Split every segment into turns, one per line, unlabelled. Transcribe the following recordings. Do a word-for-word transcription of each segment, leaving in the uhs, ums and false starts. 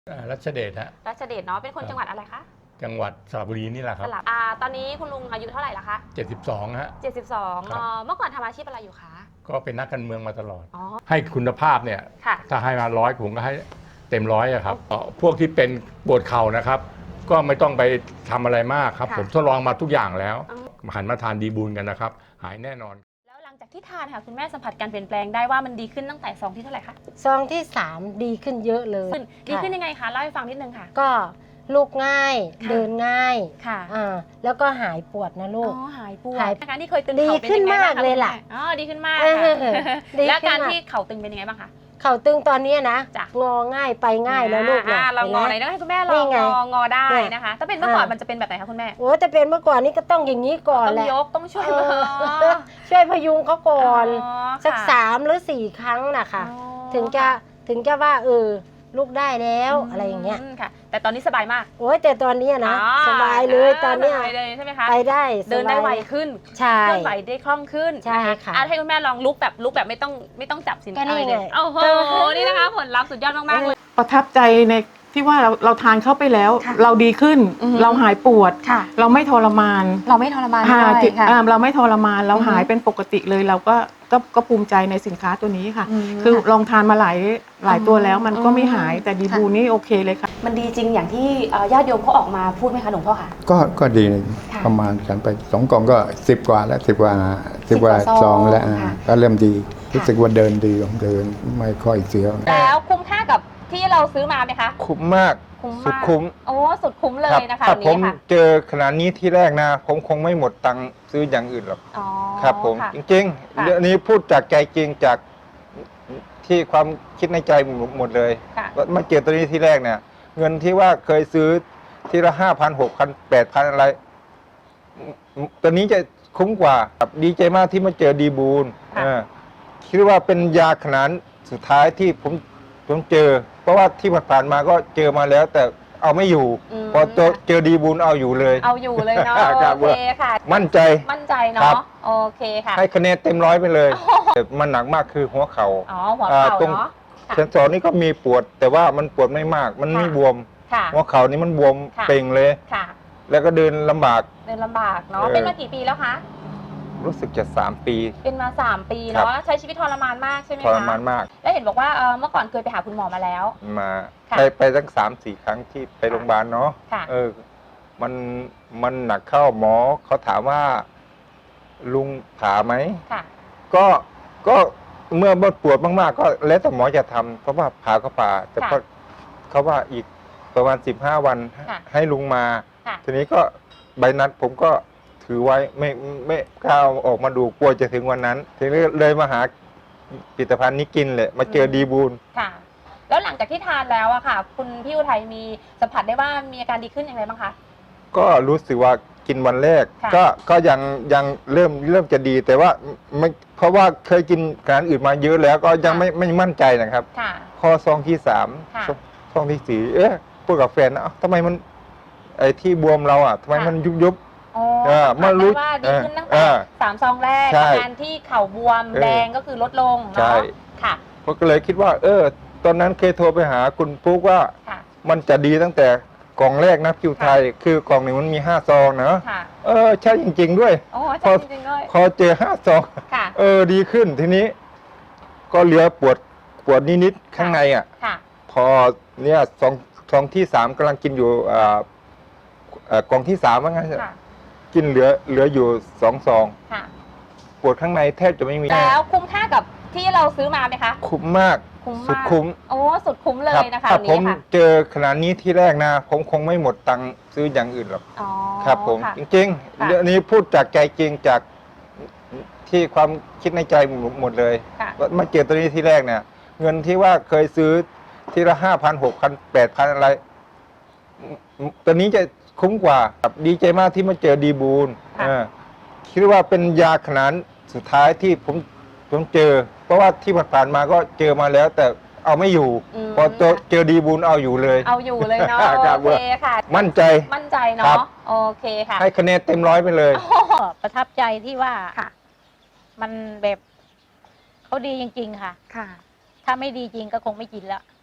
อ่ารัชเดชฮะ
รัชเดชเนาะเป็นคนจังหวัดอะไรคะ
จังหวัดสระบุรีนี่แหละค
ส
รับ
ระอ่าตอนนี้คุณลุงอายุเท่าไหร่ละคะ
เจ็ดสิบสองฮะ
เจ็ดสิบสอง
ครับ
เอ่อเมื่อก่อนทำอาชีพอะไรอยู่คะ
ก็เป็นนักการเมืองมาตลอด
อ๋อ
ให้คุณภาพเนี่ย
ค่ะ
ถ้าให้มาร้อยผมก็ให้เต็มร้อยอะครับเอ่อพวกที่เป็นปวดเข่านะครับ ก็ไม่ต้องไปทำอะไรมากครับ
ค่ะ
ผมทดลองมาทุกอย่างแล้ว
อืม
หันมาทานดีบูลกันนะครับ หายแน่นอน
แล้วหลังจากที่ทานค่ะคุณแม่สัมผัสการเปลี่ยนแปลงได้ว่ามันดีขึ้นตั้งแต่ซองที่เท่าไหร่คะ
ซองที่สามดีขึ้นเยอะเลย
ขึ้นดีขึ้นยังไงคะเล่าให้ฟังนิดนึงค่ะ
ก็ลูกง่าย
ค่ะ
เดินง่าย
ค่ะ
อ่าแล้วก็หายปวดนะลู
อ๋
ก
อหายปวด
หาย
อาการที่เคยตึง
ดี
เข่าเป็น
ขึ้น
ยังไงบ้าง
มากเลยล่ะ
คุณแม่อ๋อดีขึ้นมาก
เออ
ค่ะ
ดี
แล้ว
ขึ้น
การ
มาก
ที่เข่าตึงเป็นยังไงบ้างคะ
เข่าตึงตอนเนี้ยนะ
จ้ะ
งอง่ายไปง่ายแล้วลูก
อ่าเรางอไหน
ห็น
ต้
ไหม
องให้คุณแม่ล
นี่
อง
ไง
งองอได้
เนี่ย
นะคะ ถ้าเป็นเมื่อก่อน
อ่ามั
มันจะเป็นแบบไหนคะคุณแม่
โอ้แต่เป็นเมื่อก่อนนี้ก็ต้องอย่างนี้ก่อน
ต้อง
แหละ
ยกต้องช่วย
เออ
อ๋อ
ช่วยพยุงเขาก่อน
อ๋อ
สัก
ค่ะ
สามหรือสี่ครั้งนะคะ
อ๋อ
ถึงจะถึงจะว่าเออลูกได้แล้วอะไรอย่างเงี้ย
มค่ะ แต่ตอนนี้สบายมาก
โอ้ยแต่ตอนเนี้ยนะ
อ๋อ
สบายเลยตอนเนี้ย
สบายเลยใช่ไหมคะ
ไปได้สบาย
เดินได้ไวขึ้น
ใช่
เคลื่อนไหวได้คล่องขึ้น
ใช่ค่ะ
อ่ให้คุณแม่ลองลุกแบบลุกแบบไม่ต้องไม่ต้องจับสิน
ก็นี่
อะไรเลย
ไง
โอ้โห นี่นะคะ ผลลัพธ์สุดยอดมากๆเลย
ประทับใจในที่ว่าเราเราทานเข้าไปแล้ว
ค่ะ
เราดีขึ้น
อือฮึ
เราหายปวด
ค่ะ
เราไม่ทรมาน
เราไม่ทรมาน
อ่า
ด้วย
จิต
ค่ะ
อ่าเราไม่ทรมานเรา
อือฮึ
หายเป็นปกติเลยเราก็ก็ก็ภูมิใจในสินค้าตัวนี้ค่ะ
อืม
คือ
ค่ะ
ลองทานมาหลายหลายตัวแล้วมันก็ไม่หาย
อืม
แต่ดี
ค่ะ
บูนี่โอเคเลยค่ะ
มันดีจริงอย่างที่เอ่อญาติโยมเขาออกมาพูดไหมคะหลวงพ่อคะ
ก็ก็ดี
ค่ะ
ประมาณฉันไปสองกล่องก็สิบกว่าแล้วสิบกว่าสิบกว่า
สิบกว่าซ
ซ
อ
อง งแล้วอ่า
ค่ะ
ก็เริ่มดี
ค่ะ
รู้สึกว่าเดินดีเดินไม่ค่อยเสียว
แล้วคุ้มค่ากับที่เราซื้อมาไหมคะ
คุ้มมาก
คุ้ม
สุด
มาก
คุ้ม
โอ้สุดคุ้มเล
ครั
ยนะคะ
ถ้า
อัน
ผม
นี้ค่ะ
เจอขนาดนี้ที่แรกนะ ผมคงไม่หมดตังค์ซื้ออย่างอื่นหรอก
อ๋อ
ครับผม
ค่ะ
จริง
ค่ะ
ๆเรื่องนี้พูดจากใจจริงจากที่ความคิดในใจหมดเลย
ค่ะ
ว่ามาเจอตัวนี้ที่แรกเนี่ย เงินที่ว่าเคยซื้อทีละห้าพันหกพันแปดพันอะไรตัวนี้จะคุ้มกว่าครับดีใจมากที่มาเจอดีบูล
ค่ะ
เออคิดว่าเป็นยาขนาดสุดท้ายที่ผมผมเจอ เพราะว่าที่ผ่านๆมาก็เจอมาแล้ว แต่เอาไม่อยู่
ม
พอเจอเจอดีบูลเอาอยู่เลย
เอาอยู่เลยเนาะ
ครับ
โอเคค่ะ
มั่นใจ
มั่นใจ
ครั
เนาะ
บ
โอเคค่ะ
ให้คะแนนเต็มร้อยไปเลยแต่มันหนักมากคือหัวเขา
อ๋อหัว
อ่า
เข่า
ตรง
เนาะค่ะ
เซนสอนนี่ก็มีปวด แต่ว่ามันปวดไม่มาก มันไม่
ค่ะ
บวม
ค่ะ
หัวเข่านี่มันบวม
ค่ะ
เป่งเลย
ค่ะ
แล้วก็เดินลำบาก
เดินลำบากเนาะ
เออ
เป็นมากี่ปีแล้วคะ
รู้สึกจะสามปี
เป็นมาสามปี
ครั
เนาะ
บ
ใช้ชีวิตทรมานมากใช่ไหม
ท
คะ
รมานมาก
แล้วเห็นบอกว่าเอ่อเมื่อก่อนเคยไปหาคุณหมอมาแล้ว
มา
ค่ะ
ไปไปตั้งสามสี่ครั้งที่ไปโรงพยาบาลเนาะ
ค่ะ
เออ มันมันหนักเข้าหมอเขาถามว่า ลุงผ่าไหม
ค่ะ
ก็ก็เมื่อบดปวดมากๆ ก็แล้วแต่หมอจะทำเพราะว่าผ่าก็ผ่า แต่
ค่ะ
ก็เขาว่าอีกประมาณสิบห้าวัน
ค่ะ
ให้ลุงมา
ค่ะ
ทีนี้ก็ใบนัดผมก็ถือไว้ไม่ไม่กล้าเอาออกมาดูกลัวจะถึงวันนั้น ทีนี้เลยมาหาผลิตภัณฑ์นี้กินเลยมาเจอดีบูล
ค่ะ แล้วหลังจากที่ทานแล้วอะค่ะ คุณพี่อุทัยมีสัมผัสได้ว่ามีอาการดีขึ้นอย่างไรบ้างคะ
ก็รู้สึกว่ากินวันแรก
ค่ะ
ก็ก็ยังยังเริ่มเริ่มจะดี แต่ว่าไม่เพราะว่าเคยกินอาหารอื่นมาเยอะแล้วก็ยังไม่ไม่มั่นใจนะครับ
ค่ะ
พอซองที่สาม
ค่ะ
ซองที่สี่เอ๊ะพูดกับแฟนนะเอ้าทำไมมันไอ้ที่บวมเราอ่ะทำไม
ค่ะ
มันยุบยุบ
อ๋อ
เออ
สัมผัส
เมื่อรู้
ได้ว่าดีขึ้นตั้ง
เอ
แต่
อ
สามซองแรก
ใช่
อาการที่เข่าบวม
เออ
แดงก็คือลดลง
ใช่
เนาะค่ะ
ผมก็เลยคิดว่า เออ ตอนนั้นเคยโทรไปหาคุณปุ๊กว่า
ค่ะ
มันจะดีตั้งแต่กล่องแรกนะคิวไทย คือกล่องหนึ่งมันมีห้าซองนะ
ค่ะ
เออใช่จริง ๆ ด้วย
โอ้
พอ
ใช่จริงๆเลย
พอเจอห้าซอง
ค่ะ
เออดีขึ้นทีนี้ ก็เหลือปวดปวดนิดๆข้างในอ่ะ
ค่ะ
พอเนี่ยซองซองที่สามกำลังกินอยู่อ่าเอ่อกล่องที่สามว่างั้น
ค่ะ
กินเหลือเหลืออยู่สองซอง
ค่ะ
ปวดข้างในแทบจะไม่มี
แล้วคุ้มค่ากับที่เราซื้อมาไหมคะ
คุ้มมาก
คุ้ม
สุด
มาก
คุ้ม
โอ้ สุดคุ้มเล
รั
ยนะคะ
ถ้า
อัน
ผม
นี้ค่ะ
เจอขนาดนี้ที่แรกนะ ผมคงไม่หมดตังค์ซื้ออย่างอื่นหรอก
อ๋อ
ครับ ผม
ค่ะ
จริง
ค่ะ
ๆเรื่องนี้พูดจากใจจริงจากที่ความคิดในใจหมดเลย
ค่ะ
ว่ามาเจอตัวนี้ที่แรกเนี่ย เงินที่ว่าเคยซื้อทีละห้าพันหกพันแปดพันอะไรตัวนี้จะคุ้มกว่าครับดีใจมากที่มาเจอดีบูล
ค่ะ
เออคิดว่าเป็นยาขนาดสุดท้ายที่ผมผมเจอ เพราะว่าที่ผ่านๆมาก็เจอมาแล้ว แต่เอาไม่อยู่
อืม
พอเจอเจอดีบูลเอาอยู่เลย
เอาอยู่เลยเนาะ
ครับ
โอเคค่ะ
มั่นใจ
มั่นใจ
ครั
เนาะ
บ
โอเคค่ะ
ให้คะแนนเต็มร้อยไปเลย
ก็ประทับใจที่ว่า
ค่ะ
มันแบบเขาดีจริง ๆ ค่ะ
ค่ะ
ถ้าไม่ดีจริงก็คงไม่กินแล้ว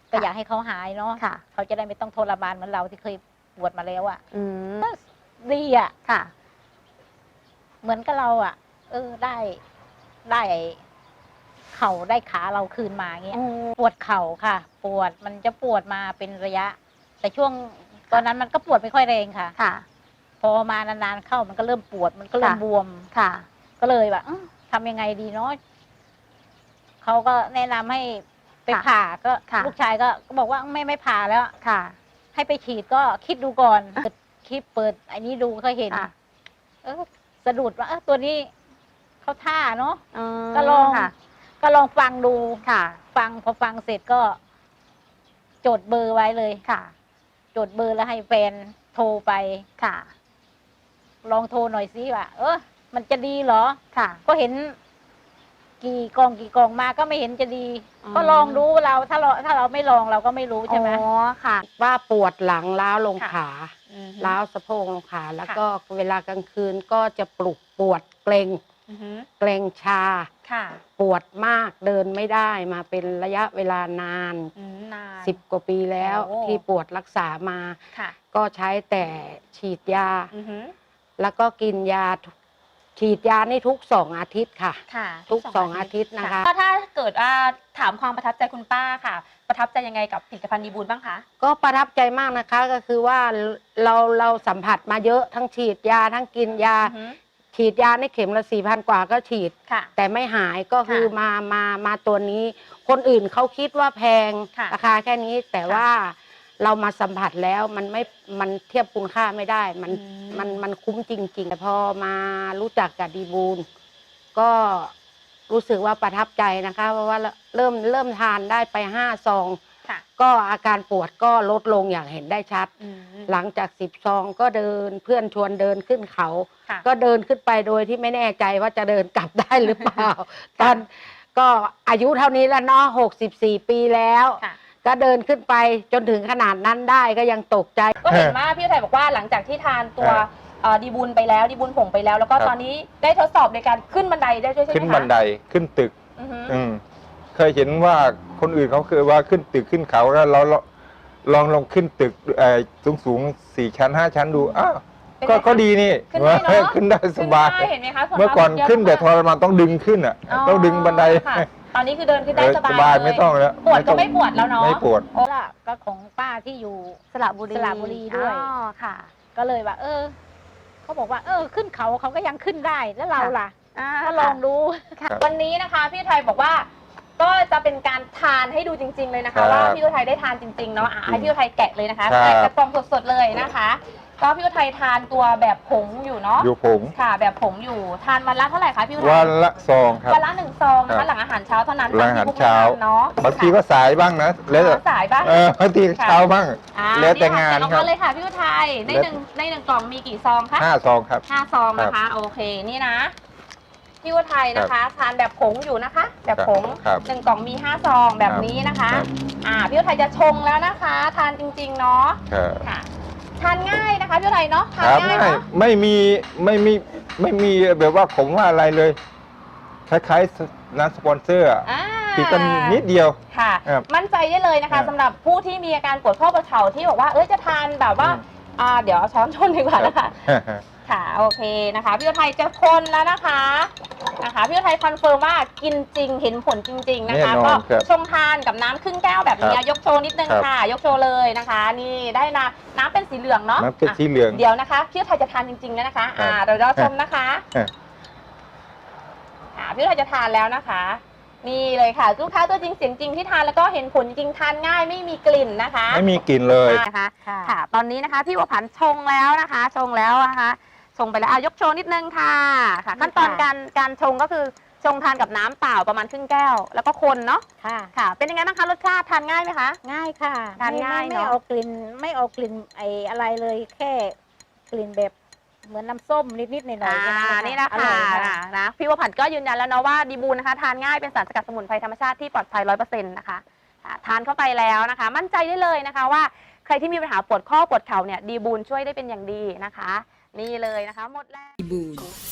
ก็อยากให้เขาหายเนาะ
ค่ะ
เขาจะได้ไม่ต้องทรมานเหมือนเราที่เคยปวดมาแล้วอะ่ะ
อืม
ดีอะ่ะ
ค่ะ
เหมือนกับเราอะ่ะ เออได้ได้เข่าได้ขาเราคืนมาเงี้ย ปวดเข่าค่ะ ปวดมันจะปวดมาเป็นระยะ แต่ช่วงตอนนั้นมันก็ปวดไม่ค่อยแรงค่ะ
ค่ะ
พอมานานๆเข้ามันก็เริ่มปวดมันก็เริ่ม
ค่ะ
บวม
ค่ะ
ก็เลยแบบอื้อทำยังไงดีเนาะเขาก็แนะนำให้ไป
ค่ะ
ผ่าก็
ค่ะ
ลูกชายก็ก็บอกว่าไม่ไม่ผ่าแล้ว
ค่ะ
ให้ไปฉีดก็คิดดูก่อนเปิดคลิปเปิดไอ้นี้ดูก็เห็น
ค่ะ
เออสะดุดว่าเออตัวนี้เขาท่าเนาะ
อืม
ก็ลอง
ค่ะ
ก็ลองฟังดู
ค่ะ
ฟังพอฟังเสร็จก็จดเบอร์ไว้เลย
ค่ะ
จดเบอร์แล้วให้แฟนโทรไป
ค่ะ
ลองโทรหน่อยสิว่าเออมันจะดีเหรอ
ค่ะ
ก็เห็น กี่กองกี่กองมาก็ไม่เห็นจะดี
อืม
ก็ลองดูเราถ้าเราถ้าเราไม่ลองเราก็ไม่รู้ใช่ไหม
อ๋อค่ะ
ว่าปวดหลังล้าวลง
ค่ะ
ขา
อืม
ล้าวสะโพกลงขาแล้ว
ค่ะ
ก็เวลากลางคืนก็จะปลุกปวดเกรง
อือฮึ
เกรงชา
ค่ะ
ปวดมากเดินไม่ได้มาเป็นระยะเวลานาน
อืมนาน
สิบกว่าปีแล้ว
โอ้
ที่ปวดรักษามา
ค่ะ
ก็ใช้แต่ฉีดยา
อือฮึ
แล้วก็กินยาทุกฉีดยานี่ทุกสองอาทิตย์ค่ะ
ค่ะ
ทุกสองอาทิตย์นะคะ
ก็ถ้าเกิดว่าถามความประทับใจคุณป้าค่ะ ประทับใจยังไงกับผลิตภัณฑ์ดีบูลบ้างคะ
ก็ประทับใจมากนะคะก็คือว่าเราเราสัมผัสมาเยอะทั้งฉีดยาทั้งกินยา
อือฮึ
ฉีดยาในเข็มละสี่พันกว่าก็ฉีด
ค่ะ
แต่ไม่หายก็คือ
ค่ะ
มามามาตัวนี้ คนอื่นเขาคิดว่าแพง
ค่ะ
ราคาแค่นี้ แต่
ค่ะ
ว่าเรามาสัมผัสแล้วมันไม่มันเทียบคุณค่าไม่ได้ มัน
อืม
มันมันคุ้มจริงๆแต่พอมารู้จักกับดีบูลก็รู้สึกว่าประทับใจนะคะ เพราะว่าเริ่มเริ่มทานได้ไปห้าซอง
ค่ะ
ก็อาการปวดก็ลดลงอย่างเห็นได้ชัด
อืม
หลังจากสิบซองก็เดินเพื่อนชวนเดินขึ้นเขา
ค่ะ
ก็เดินขึ้นไปโดยที่ไม่แน่ใจว่าจะเดินกลับได้หรือเปล่า ตอนก็อายุเท่านี้แล้วเนาะหกสิบสี่ปีแล้ว
ค่ะ
ก็เดินขึ้นไปจนถึงขนาดนั้นได้ก็ยังตกใจ
ก็เห็นว่าพี่อุทัยบอกว่าหลังจากที่ทานตัวเอ่อดีบูลไปแล้วดีบูลผงไปแล้ว แล้วก็
ครับ
ตอนนี้ได้ทดสอบในการขึ้นบันไดได้ด้วยใช่ไหมคะ
ขึ้นบันไดขึ้นตึก
อือฮึ
อืมเคยเห็นว่าคนอื่นเขาเคยว่าขึ้นตึกขึ้นเขาแล้วเราเราลองลองขึ้นตึกสูงสูงๆสี่ชั้นห้าชั้นดูอ้าว
เป็นไง
ก็
คะ
ก็ดีนี่
ขึ้นได้เนอะ
ขึ้นได้สบาย
ขึ้นได้เห็นไหมคะส่ว
เมื่อก่อน
มาก
ขึ้นแต่ท
เยะ
รมานต้องดึงขึ้นอ่ะ ต้องดึงบันได
ค่ะตอนนี้คือเดินขึ้นได้
เออ
ส
ส
บาย
บาย
เลย
ไม่ต้องแล้ว
ปวดก็
ต้อง
ไม่ปวดแล้วเนาะ
ไม่ปวด
โอ้ล่ะก็ของป้าที่อยู่
สระบุรี
สระบุรีด้วย
อ๋อค่ะ
ก็เลยว่า เออเขาบอกว่า เออ ขึ้นเขาเขาก็ยังขึ้นได้แล้วเราล่ะ
อ่า
ก็ลองดู
ค่ะ
ครับ
วันนี้นะคะพี่อุทัยบอกว่า ก็จะเป็นการทานให้ดูจริง ๆเลยนะ
ครั
คะ
บ
ว่าพี่อุทัยได้ทานจริงๆเนาะอ่ะให้พี่อุทัยแกะเลยนะคะ
ครับ
แกะกระป๋องสดๆเลยนะคะ ก็พี่อุทัยทานตัวแบบผงอยู่เนาะ
อยู่ผง
ค่ะ แบบผงอยู่ทานวันละเท่าไหร่คะพี่อุทัย
วันละซองครับ
วันละหนึ่งซองนะ
ครั
คะ
บ
หลังอาหารเช้าเท่านั้น
หลังอาหาร
ตมที่
เช้า
พวกแนะนำเนาะ
บางทีก็สายบ้างนะแล้วแต่
ค่ะสายบ้าง
เออบางทีเช้าบ้าง
อ่า
แล้วแต่งาน
นี่
ค
ค่ะ
รับ
แกะออกมาเลยค่ะพี่อุทัยในหนึ่งในหนึ่งกล่องมีกี่ซองคะ
ห้าซองครับ
ห้าซองนะคะ โอเคนี่นะพี่อุทัยนะคะ ทานแบบผงอยู่นะคะ แบบผง
ครับ
หนึ่งกล่องมีห้าซองแบบนี้นะคะ
ครับ
อ่าพี่อุทัยจะชงแล้วนะคะ ทานจริงๆเนาะ
ครับ
ค่ะ ทานง่ายนะคะพี่อุทัยเนาะทาน
ครับ
ง่าย
ไม่
เนาะ
ไม่มีไม่มีไม่มีแบบว่าผมว่าอะไรเลย คล้ายๆน้ำสปอนเซอร์อะ
อ่า
ติดกันนิดเดียว
ค่ะ
ครับ
มั่นใจได้เลยนะ
ครั
คะ
บ
สำหรับผู้ที่มีอาการปวดข้อประเข่าที่บอกว่าเอ้ยจะทานแบบว่า
อืม
อ่าเดี๋ยวเอาช้อนชนดีกว่านะคะ ค่ะโอเคนะคะพี่อุทัยจะคนแล้วนะคะนะคะพี่อุทัยคอนเฟิร์มว่ากินจริงเห็นผลจริง ๆนะคะ
แน่นอน
ก็
ครับ
ชงทานกับน้ำครึ่งแก้วแบบนี้
ครับ
ยกโชว์นิดนึง
ครับ
ค่ะ ยกโชว์เลยนะคะ นี่ได้นะน้ำเป็นสีเหลืองเนาะ
น้ำเป็นสีเหลือง
ะเดี๋ยวนะคะพี่อุทัยจะทานจริงๆแล้วนะคะ อ่าเดี๋ยวเราชมนะคะ
ครับ
อ่าพี่อุทัยจะทานแล้วนะคะ นี่เลยค่ะลูกค้าตัวจริงเสียงจริงที่ทานแล้วก็เห็นผลจริงทานง่ายไม่มีกลิ่นนะคะ
ไม่มีกลิ่นเลย
นะคะ
ค่ะ
ค่ะ ตอนนี้นะคะพี่บัวผันชงแล้วนะคะ ชงแล้วนะคะชงไปแล้วอ่ะยกโชว์นิดนึงค่ะค่ะ ขั้นตอนการการชงก็คือชงทานกับน้ำเปล่าประมาณครึ่งแก้ว แล้วก็คนเนาะ
ค่ะ
ค่ะ เป็นยังไงบ้างคะรสชาติทานง่ายไหมคะ
ง่ายค่ะ
ทาน
ไม่
ง่าย
ไม่
เนอะ
ไม่เอากลิ่นไม่เอากลิ่นไออะไรเลยแค่กลิ่นแบบเหมือนน้ำส้มนิดๆหน่อยๆ
อ่า
แค่
นี่นะ
อร่
คะ
อย
นะนะพี่บัวผันก็ยืนยันแล้วเนาะว่าดีบูนนะคะทานง่ายเป็นสารสกัดสมุนไพรธรรมชาติที่ปลอดภัยร้อยเปอร์เซ็นต์นะคะอ่าทานเข้าไปแล้วนะคะ มั่นใจได้เลยนะคะว่าใครที่มีปัญหาปวดข้อปวดเข่าเนี่ยดีบูนช่วยได้เป็นอย่างดีนะคะ นี่เลยนะคะหมดแล้ว
บูน